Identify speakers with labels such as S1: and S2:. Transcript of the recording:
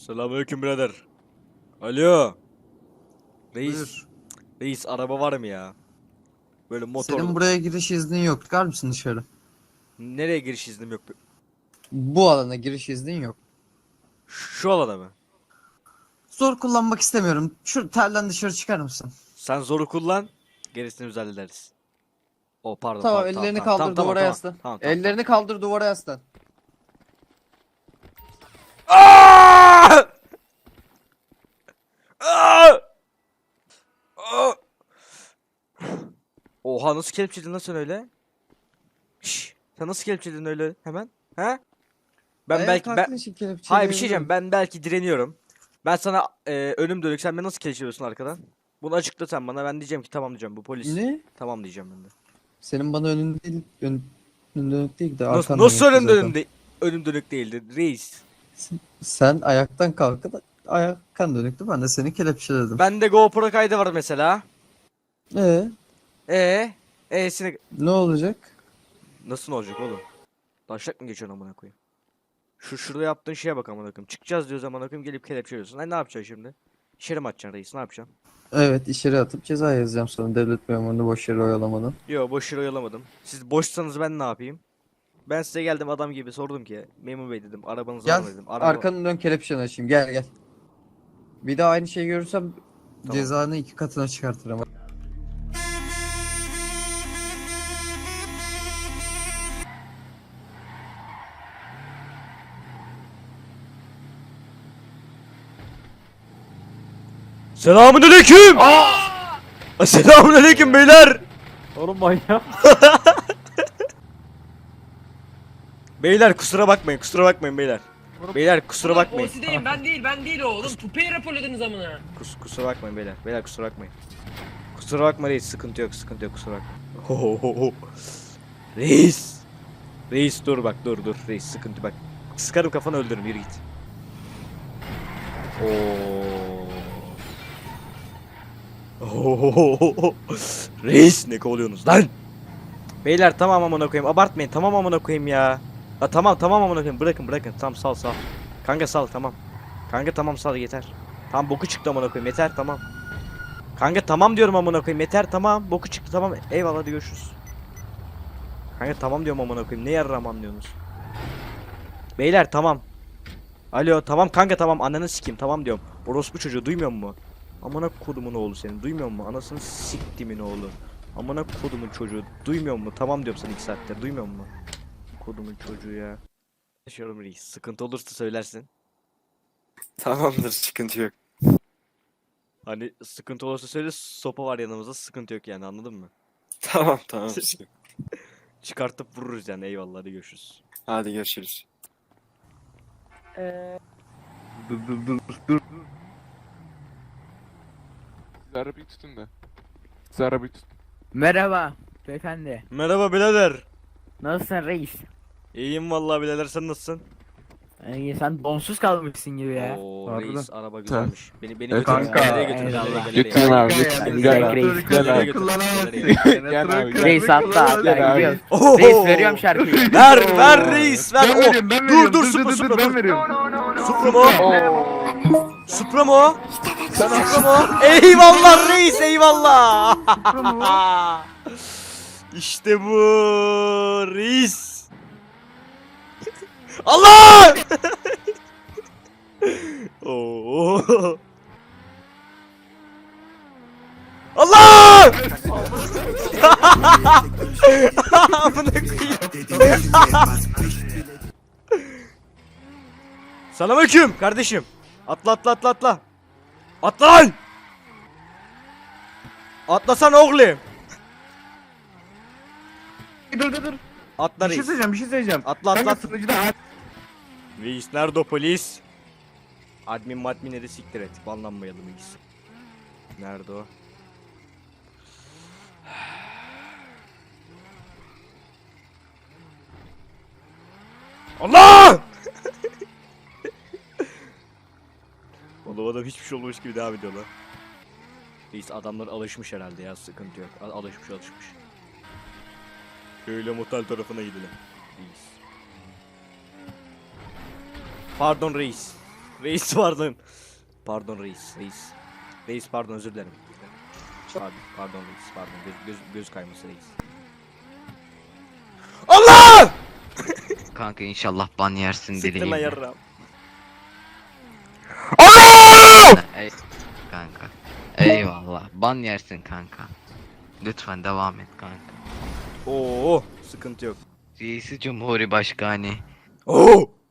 S1: Selamünaleyküm birader. Alo. Reis.
S2: Buyur.
S1: Reis araba var mı ya? Böyle motor.
S2: Senin buraya giriş iznin yok. Çıkar mısın dışarı?
S1: Nereye giriş iznim yok?
S2: Bu alana giriş iznin yok.
S1: Şu alana mı?
S2: Zor kullanmak istemiyorum. Şu terden dışarı çıkar mısın?
S1: Sen zoru kullan. Gerisini biz hallederiz. O pardon.
S2: Tamam,
S1: pardon,
S2: ellerini
S1: tamam,
S2: kaldır,
S1: tamam,
S2: duvara
S1: tamam,
S2: yaslan.
S1: tamam, tamam,
S2: Ellerini kaldır, duvara yaslan.
S1: Aa! Aa! Aa! Oha, nasıl kelepçeledin lan sen öyle? Şşş, sen nasıl kelepçeledin öyle hemen? He? Ben
S2: Ayağa
S1: belki
S2: kalktığın için
S1: hayır, bir şey diyeceğim.
S2: kelepçeleyebilirim.
S1: Ben belki direniyorum. Ben sana önüm dönük, sen beni nasıl kelepçeliyorsun arkadan? Bunu açıkla sen bana. Ben diyeceğim ki tamam diyeceğim, bu polis.
S2: Ne?
S1: Tamam diyeceğim ben de.
S2: Senin bana önün değil, önün dönük değil de
S1: Nasıl,
S2: arkan
S1: nasıl
S2: dönüktü
S1: önüm
S2: zaten.
S1: dönük önüm dönük değildi reis.
S2: Sen ayaktan kalkıp ayaktan dönüktü. Ben de seni kelepçeledim.
S1: Bende GoPro kaydı var mesela.
S2: Ee,
S1: E'sine
S2: ne olacak?
S1: nasıl olacak oğlum? Taşak mı geçiyorsun amına koyayım? Şurada yaptığın şeye bak amına koyayım. Çıkacağız diyoruz amına koyayım, gelip kelepçeliyorsun. Ay, ne yapacaksın şimdi? İçeri mi atacaksın reis? Ne yapacaksın?
S2: Evet, içeri atıp ceza yazacağım sana, devlet memurunu boş yere oyalamadan.
S1: Yo, boş yere oyalamadım. Siz boşsanız ben ne yapayım? Ben size geldim adam gibi sordum ki memur bey dedim, arabanız var
S2: Gel,
S1: mı dedim.
S2: arkanı dön, kelepçeni açayım. Gel gel. Bir daha aynı şeyi görürsem
S1: Tamam.
S2: cezanı 2 katına çıkartırım.
S1: Selamünaleyküm. Selamünaleyküm beyler.
S3: Oğlum manyak.
S1: Beyler kusura bakmayın, kusura bakmayın beyler. Beyler kusura bakmayın.
S4: O değil, ben değil o oğlum. Tupeyi raporladınız amına.
S1: Kusura bakmayın beyler. Beyler kusura bakmayın. Kusura bakma reis, sıkıntı yok, sıkıntı yok, kusura bakma. Hohoho. Reis. Reis dur bak, dur reis, sıkıntı bak. Sıkarım kafanı, öldürürüm, yürü git. Oo. Reis, ne kovalıyorsunuz lan? Beyler tamam amına koyayım, abartmayın, tamam amına koyayım ya. Ha, tamam amına koyayım, bırakın tamam, sal. Kanka sal, tamam. Kanka tamam, sal yeter. Tamam, boku çıktı amına koyayım, yeter tamam. Kanka tamam diyorum amına koyayım, yeter tamam, boku çıktı tamam, eyvallah, hadi görüşürüz. Kanka tamam diyorum amına koyayım, ne yarram anlıyorsunuz? Beyler tamam. Alo tamam kanka, tamam, ananı sikeyim tamam diyorum. Orospu çocuğu, duymuyor musun? Amına kodumun oğlu senin, duymuyor musun? Anasını siktimin oğlu. Amına kodumun çocuğu, duymuyor musun? Tamam diyorum sana 2 saattir, duymuyor musun? Kodumun çocuğu ya. Yaşıyorum reis, sıkıntı olursa söylersin.
S5: Tamamdır, sıkıntı yok.
S1: Hani sıkıntı olursa söyle, sopa var yanımızda, sıkıntı yok yani, anladın mı?
S5: Tamam.
S1: Çıkartıp vururuz yani, eyvallah, hadi görüşürüz.
S5: Hadi görüşürüz.
S3: Dur. Siz arabayı tutun da. Siz arabayı tutun.
S6: Merhaba beyefendi.
S1: Merhaba birader.
S6: Nasılsın reis?
S1: İyiyim vallahi birader, sen nasılsın?
S6: Sen donsuz kalmışsın gibi ya.
S1: Oo
S3: Harbiden.
S1: reis, araba güzelmiş. Beni
S3: Evet,
S1: götür.
S3: kanka.
S1: Galeriye götür.
S6: Eyvallah.
S1: Galeriye.
S3: Götürün abi.
S6: Hadi
S3: Gel
S6: gel
S3: abi.
S6: reis.
S3: Gel abi.
S1: Gel abi.
S6: Reis hatta
S3: Gel abi.
S6: gidiyoruz.
S1: Oho!
S6: Reis veriyorum şarkıyı.
S1: Ver reis, ver. Dur Supra
S3: ben
S1: dur.
S3: veriyorum.
S1: Supra mu? Supra mu? Supra mu? Eyvallah reis, eyvallah. İşte bu reis. Allah! Oo. Allah! Amına koyayım. Selamünaleyküm kardeşim. Atla. Atla lan! Atlasana oğlum.
S3: Dur.
S1: Atla
S3: Bir şey
S1: reis.
S3: söyleyeceğim.
S1: Atla.
S3: Kanka sunucuda
S1: Reis nerede o polis? Adminleri siktir et. Banlanmayalım reis. Nerede o? Allah! Oğlum adam hiçbir şey olmamış gibi devam ediyorlar. Reis adamlar alışmış herhalde ya, sıkıntı yok. Alışmış. Şöyle motel tarafına gidelim. Reis. Pardon reis. Reis pardon. Pardon reis. Reis pardon özür dilerim. Pardon reis pardon göz kayması reis. Allah!
S7: Kanka inşallah ban yersin
S1: Siktir lan
S7: dileğimle.
S1: yarram.
S7: Ey kanka. Eyvallah. Ban yersin kanka. Lütfen devam et kanka.
S1: Oo sıkıntı yok.
S7: Reisi Cumhurbaşkanı.
S1: Oo!